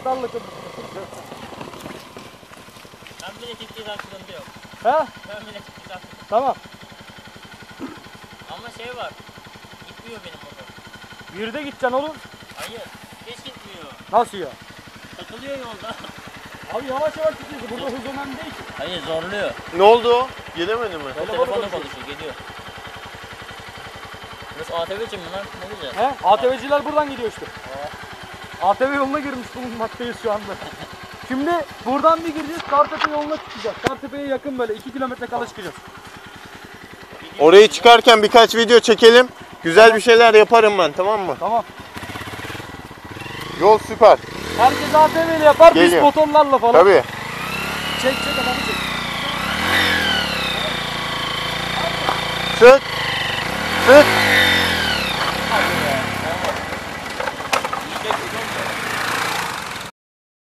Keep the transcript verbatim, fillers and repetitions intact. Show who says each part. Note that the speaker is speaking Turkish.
Speaker 1: Kartlarla konuşuyor.
Speaker 2: Ben bile çıktıysan sıkıntı yok.
Speaker 1: He?
Speaker 2: Ben bile çıktıysan sıkıntı yok.
Speaker 1: Tamam.
Speaker 2: Ama şey var. Gitmiyor benim motor.
Speaker 1: Yürüde gideceksin oğlum.
Speaker 2: Hayır. Hiç gitmiyor.
Speaker 1: Nasıl ya?
Speaker 2: Takılıyor yolda.
Speaker 1: Abi yavaş yavaş gidiyorsun. Burada hız önemli değil ki.
Speaker 2: Hayır zorluyor.
Speaker 3: Ne oldu o? Gelemedi mi?
Speaker 2: O telefonla konuşuyor. Geliyor. Burası A T V için mi lan? Ne güzel.
Speaker 1: He? A T V'ciler buradan gidiyor işte. A T V yoluna girmiş bulunmaktayız şu anda. Şimdi buradan bir gireceğiz. Kartepe yoluna çıkacağız. Kartepe'ye yakın böyle iki kilometre kala çıkacağız.
Speaker 3: Orayı çıkarken birkaç video çekelim. Güzel bir şeyler yaparım ben, tamam mı?
Speaker 1: Tamam.
Speaker 3: Yol süper.
Speaker 1: Herkes A T V ile yapar.
Speaker 3: Geliyor.
Speaker 1: Biz motorlarla falan.
Speaker 3: Tabii.
Speaker 1: Çek çek adamı çek.
Speaker 3: Sık.